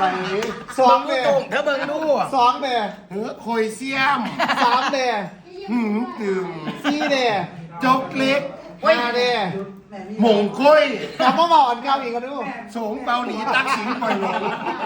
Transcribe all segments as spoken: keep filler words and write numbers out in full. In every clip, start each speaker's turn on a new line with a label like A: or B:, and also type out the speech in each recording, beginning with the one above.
A: สองเบ
B: เธอเบิ่งดู
A: สองเบ
C: เฮ้อโคยเซียม
A: สามเบ
C: หืมตึม
A: สี่เบ
C: จกเล็ก
A: ห้าเบ
C: หมงก้อย
A: กลับมาบอกอันเก่าอีกกันดู
C: สงเบาหลีตักสิงปล่อยลง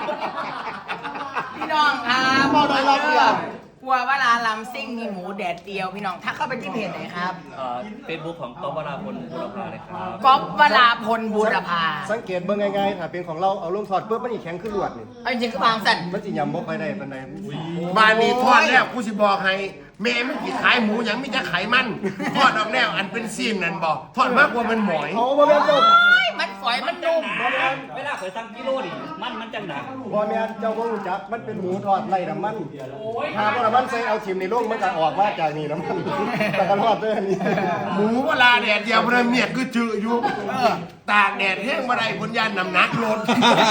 B: พี่น้องครับ
A: บอกโดยรอบเดียว
B: กลัวว่าร้านลำซิ่งมีหมูแดดเดียวพี่น้องถ้าเข้าไปที่เพจไหนครับ
D: เฟซบุ๊กของก๊อฟวราพลบุรพาเลยครับ
B: ก๊อฟวราพลบูรพา
A: สังเกตเบิ่งง่ายๆถ้าเป็นของเราเอาลงถอดปุ๊บมันอีแข็งขึ้นลวดนี่
B: เอาจริงๆก็บางสัน
A: มันสิยำบ่ค่อยได้ปานใด
C: บ้านนี้ทอดแล้วกูสิบอกให้แม่ไม่กี่ขายหมูหยังไม่จะขายมันทอดออกแล้วอันเป็นซีนนั่นบอกทอดมากกว่ามันหมอย
A: เอาบ่แม่นเจ้า
B: มันฝอยมันนุ่ม
D: เวลาเคยสั่งกิโลดิมันมันจังหนัก
A: บ่แม่นเจ้าบ่รู้จักมันเป็นหมูทอดไร้น้ำมันถ้าบ่น้ำมันใส่เอาทิ่มในโรงมันก็ออกมาจากนี่น้ำมันแต่ก็ทอดด้วยอันนี้
C: หมูเวลาแดดเดียวมันเมียดก็จืดอยู่เออตากแดดแห้งมาได้ผลยานนำหนักลด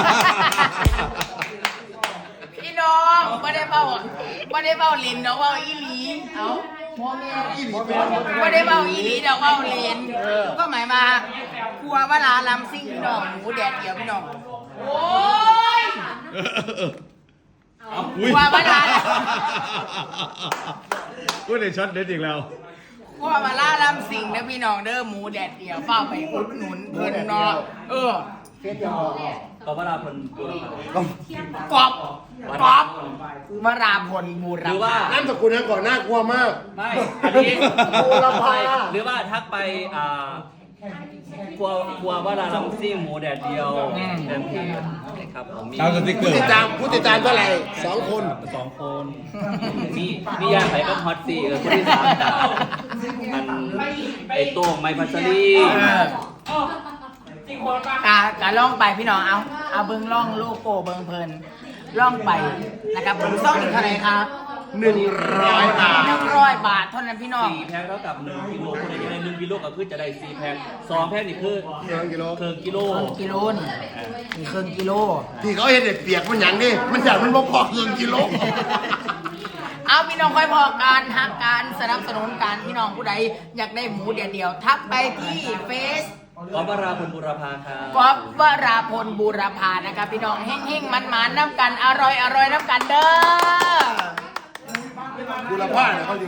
B: พี่น้องไม่ได้เบ้าไม่ได้เบ้าลินเนาะเบ้าอีหลีเอ้าพ่อแม่ไม่ได้เบ้าอีหลีเนาะเบ้าลินก็หมายมากลัวว่าร้านลำซิ่งพี่น้องหมูแดดเดียวพี่น้องโอ้ยกลัวว่าร้าน
E: กูได้ช็อตเด็ดอีกแล้ว
B: กลัวว่าร้านลำซิ่งเด้อพี่น้องเด้อหมูแดดเดียวเฝ้าไปอุดหนุนเพิ่นเนาะเออ
A: เฟซยังบอก
D: ก๊อฟวราพลบุรพา
B: กอบกอบวราพลบูร
D: หรือว่า
B: พา
C: น้ำสกุลนั้นก่อนน่ากลัวมาก
D: ไม่อันนี้
A: บูรพา
D: หรือว่าทักไปอ่าครัวครัวว่าเราลำซิ่งหมูแดดเดียวเต็มที่ครับผมมี
E: ตามสติ๊กเกอ
C: ผู้
E: ร์
C: ติดตามผู้ติดตามเท่าไหร่สองคน
D: สองคนมีมียาไข่ก็ฮอตสี่เออคนที่สามจากมันไอโต้งไมพัชรี
B: กากาล่องไปพี่น้องเอาเอาเบิ้งล่องโลโก้เบิ้งเพลินล่องไปนะครับผมซ่องอีกเท่าไหร่ครับ
C: หนึ่งร้อยบาท
B: หนึ่งร้อยบาทเท่านั้นพี่น้อง
D: สี่แพ็คเท่ากับหนึ่งกิโลคนไหนจะได้หนึ่งกิโลก็คือจะได้สี่แพ็คสองแพ็คนี่คือ
A: เกินกิโล
D: เคิงกิโล
B: ครึ่งกิโลนี่มีครึ่งกิโล
C: ที่เขาเห็นเด็กเปียกมันหยังดิมันอยากมันบ่พอเกินกิโล
B: เอาพี่น้องค่อยพอการทักการสนับสนุนการพี่น้องผู้ใดอยากได้หมูเดียวเดียวทักไปที่เฟซ
D: ก๊อฟวราพลบุรพาครับ
B: ก๊อฟวราพลบูรพานะครับพี่น้องเฮ่งๆมันๆน้ำกันอร่อยอร่อยน้ำกันเด้อ
C: บุรพาเนี่ยเขา